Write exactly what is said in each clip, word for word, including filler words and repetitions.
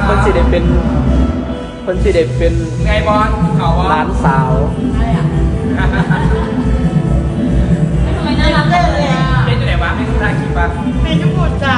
คนสิเด็เป็นคนสิเด็เป็นไงบอลเขาว่าร้านสาวทำไมน่ารักเลยอ่ะเป็นอยู่ไหนวะไม่รู้ทางคิดปะเป็นญี่ปุ่นจ้ะ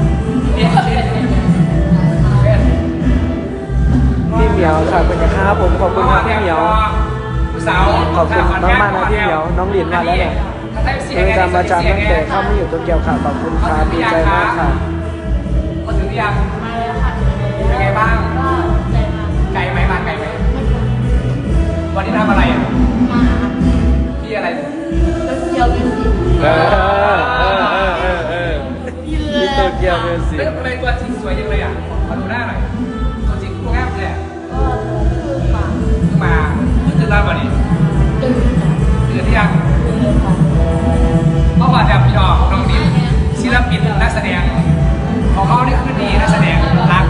พี่เหมียวค่ะเป็นยังครับผมขอบคุณครับพี่เหมียวสาวขอบคุณมากมากนะพี่เหมียวน้องหลินมาแล้วเนี่ยเป็นการมาจำตั้งแต่เข้ามาอยู่ตัวเกียวค่ะขอบคุณครับดีใจมากค่ะมาถึงหรือยังมาแล้วค่ะเป็นไงบ้างก็ใจมากไกลไหมมาไกลไหมวันนี้ทำอะไรอ่ะมาพี่อะไรเกียวมิวสิกเออเออเออเออเออพี่โตเกียวมิวสิกเฮ้ยทำไมตัวจริงสวยจังเลยอ่ะมาดูหน้าหน่อยตัวจริงตัวงามเลยก็คือมาเพิ่งมาเพิ่งตื่นนอนวันนี้ตื่นตื่นที่ยังตื่นค่ะเมื่อวานแบบพี่ดอกน้องดิมศิลปินนักแสดงของเขานี่คือดีนักแสดงรัก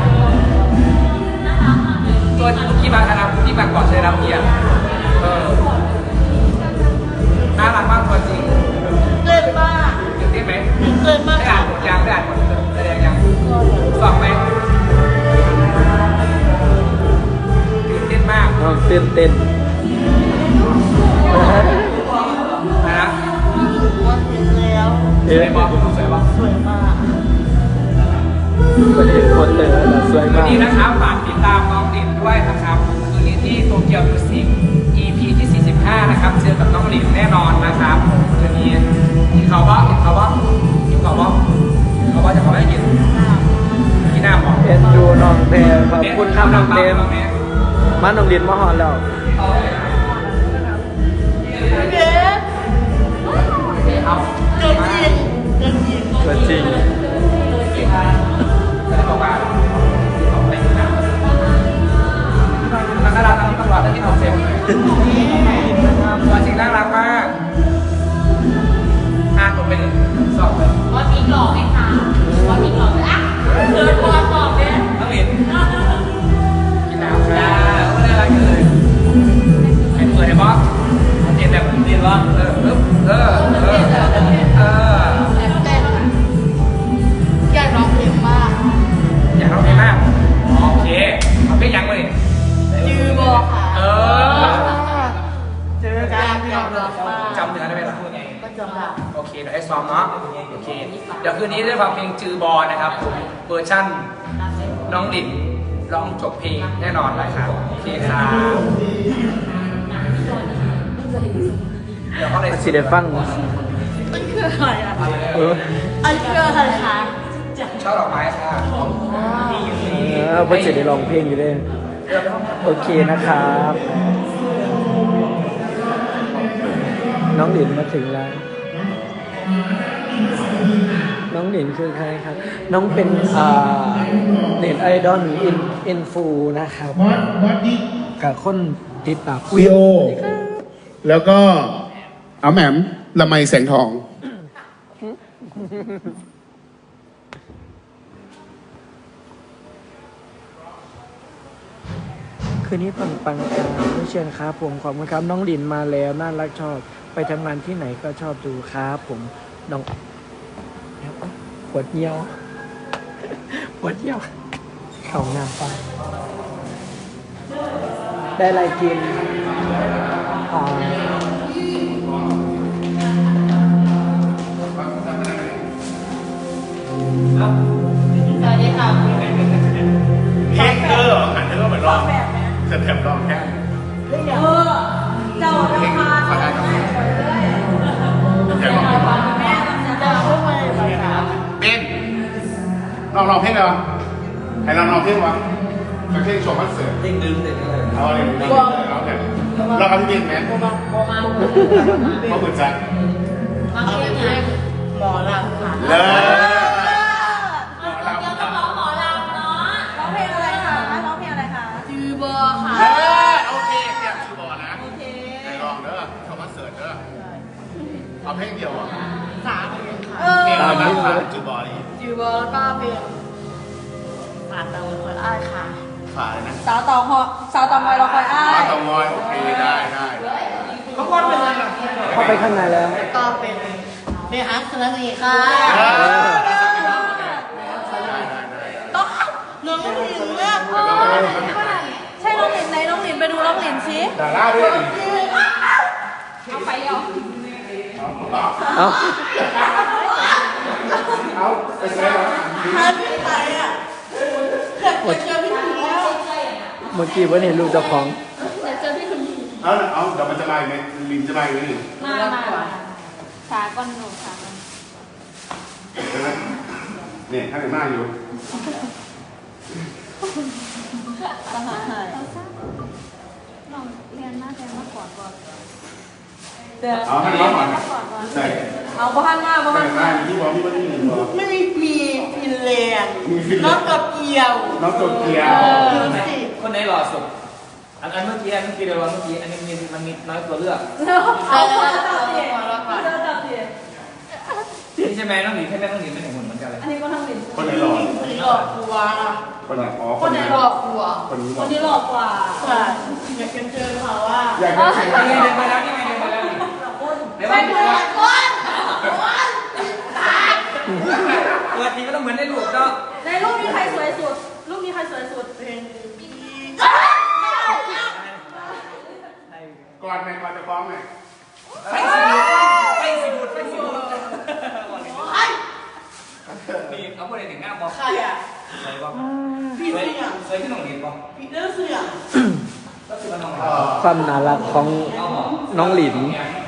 ตัวที่มาคณะที่มาก่อนใช้รับเกียรติเออน่ารักมากตัวจริงเกินมากตื่นเต้นไหมเกินมากได้อ่านบทยังได้อ่านบทแสดงยังฟังไหมตื่นเต้นมากเต้นเต้นนะว่าเห็นแล้วสวยมากสวยมากสวยมากประเด็นคนเลยสวยมากวันนี้นะครับฝากติดตามน้องดินด้วยนะครับคืนนี้ที่โตเกียวมิวสิก อี พี ที่สี่สิบห้านะครับเจอกับน้องดินแน่นอนนะครับคืนนี้กินข้าวบ้างกินข้าวบ้างกินข้าวบ้างเขาว่าจะขอให้กินกินน้ำบอกเอ็นดูน้องเต็มขอบคุณครับน้องเต็มมาน้องดินมาหอนแล้วเด็กเกินจริงเกินจริงเกินจริงบอกว่าของเต็มน้ำนักการทั้งตลอดที่เขาเซ็มตัวจริงน่ารักมากอ่านผมไปเลยสอบเลยว่ามีหลอกไหมคะว่ามีหลอกอ่ะเกินพอตอบเนี่ยน้องหลินกินน้ำค่ะไม่ได้อะไรเลยให้เปิดให้บอสเรียนแบบเรียนว่าเออเออเออเอออยากร้องเพลงมากอยากร้องเพลงมากโอเคเอาเพลงยังเลยจือบอกค่ะเออเจอกันอยากร้องมากจำเนื้อได้ไหมล่ะก็จำได้โอเคเดี๋ยวให้ซ้อมเนาะโอเคเดี๋ยวคืนนี้ได้ฟังเพลงจือบอนะครับเวอร์ชั่นน้องดินร้องจบเพลงแน่นอนเลยครับโอเคครับเดี๋ยวเขาเลยสิเดฟังมันคืออะไรอ่ะเอออันคืออะไรคะชอบดอกไม้ค่ะเออเพื่อนสิได้ร้องเพลงอยู่ด้วยโอเคนะครับน้องหลินมาถึงแล้วน้องหลินคือใครครับน้องเป็นอ่าเน็ตไอดอลอินอินฟูนะครับกับคนติดตามวีโอแล้วก็เอาแหม่มละไมแสงทองคืนนี้ปังปังครับผู้เชิญครับผมขอบคุณครับน้องหลินมาแล้วน่ารักชอบไปทำงานที่ไหนก็ชอบดูครับผมน้องปวดเยี่ยวปวดเยี่ยวเข่าหน้าไปได้อะไรกินอ่าสวัสดีค่ะเอ็กเตอร์หันเธอเหมือนรอบจะแถมรอบแค่เออเจ้าจะมาขอได้กับแม่แม่จะพูดไปไปครับเป็นลองลองเพลงเลยวะให้ลองลองเพลงวะเพลงโชว์คอนเสิร์ตเพลงดึงเสร็จเลยเอาเลยเราแบบเราเอาที่เพลงไหมโมมาโมมาโมเหมือนจันมาเพลงหมอลำค่ะเลยจือบอค่ะโอเคเตรียมจือบอนะโอเคลองเด้อโชว์คอนเสิร์ตเด้อเอาเพลงเดียวอ่ะสามเพลงค่ะเพลงอะไรบ้างจือบอดีจือบอแล้วก็เพลงฝาเตาคอยอ้ายค่ะฝาเลยนะสาวเตาหอสาวเตามอยเราคอยอ้ายสาวเตามอยโอเคได้ได้เขาก็เป็นอะไรเข้าไปข้างในแล้วก็เป็นเป็นฮัสสนีค่ะต้องน้องผู้หญิงเนี่ยใช่น้องหลินไหนน้องหลินไปดูน้องหลินสิดาราด้วยเอาไปเอาเอ้าเอาไปใช้เหรอทันที่ไหนอ่ะเกิดเจอพี่ถึงแล้วเมื่อกี้เพิ่นเห็นรูปเจ้าของเดี๋ยวเจอพี่คุณเอาเอาเดี๋ยวมันจะมาอีกไหมลินจะมาอีกไหมนี่มามาขาก้อนหนูขาก้อนใช่ไหมเนี่ยท่านเป็นหน้าอยู่สหายลองเรียนหน้าแทนมาก่อนก่อนเดี๋ยวเอาท่านร้องก่อนใช่เอาบ้านมาบ้าท่านนเป็นหมาน้าอยู่ที่บอกที่ว่าที่หนึ่งบอกไม่มีมีฟินแลนด์มีฟินแลน้องนด์กับเกียวน้องโตเกียวดูสิคนไหนหล่อสุดอันอันเมื่อกี้อันเมื่อกี้เดี๋ยวเมื่อกี้อันนี้มีมันมีน้อยตัวเลือกเอาจับเสียจับเสียนี่ใช่ไหมน้องหลินใช่ไหมน้องหลินไม่เห็นหุ่นเหมือนกันเลยอันนี้ก็ทำหลินคนไหนหล่อคนนี้หลอกกลัวคนไหนอ๋อคนไหนหลอกกลัวคนนี้หคล่อนนี้หลอกกว่าใช่อยากเจอเขาว่าอยากจะใช้นี่ไงเดินไปแล้วนี่ไงเดินไปแล้วนี่เดี๋ยวไปไปเปิดก้นเปิดทีก็ต้องเหมือนในรูปเนาะในรูปนี้ใครสวยสุดรูปนี้ใครสวยสุดเป็นก่อนไหมก่อนจะฟ้องไหมไฟสีดูดไฟสีดูดไฟสีดูดนี่เอาพวกอะไรถึงหน้าบอกใครอ่ะใส่บอกพี่เคยเสี่ยงเคยที่น้องหลินบอกพี่เลือเสี่ยงก็คือมันน้องหเอลินอความน่ารักของน้องหลิน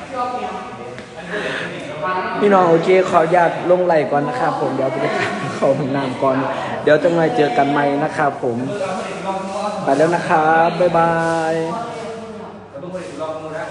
พี่น้องโอเคขออนุญาตลงไหลก่อนนะครับผมเดี๋ยวไปเข้าห้องน้ำก่อน เดี๋ยวจะมาเจอกันใหม่นะครับผม ไปแล้วนะครับ บ๊ายบาย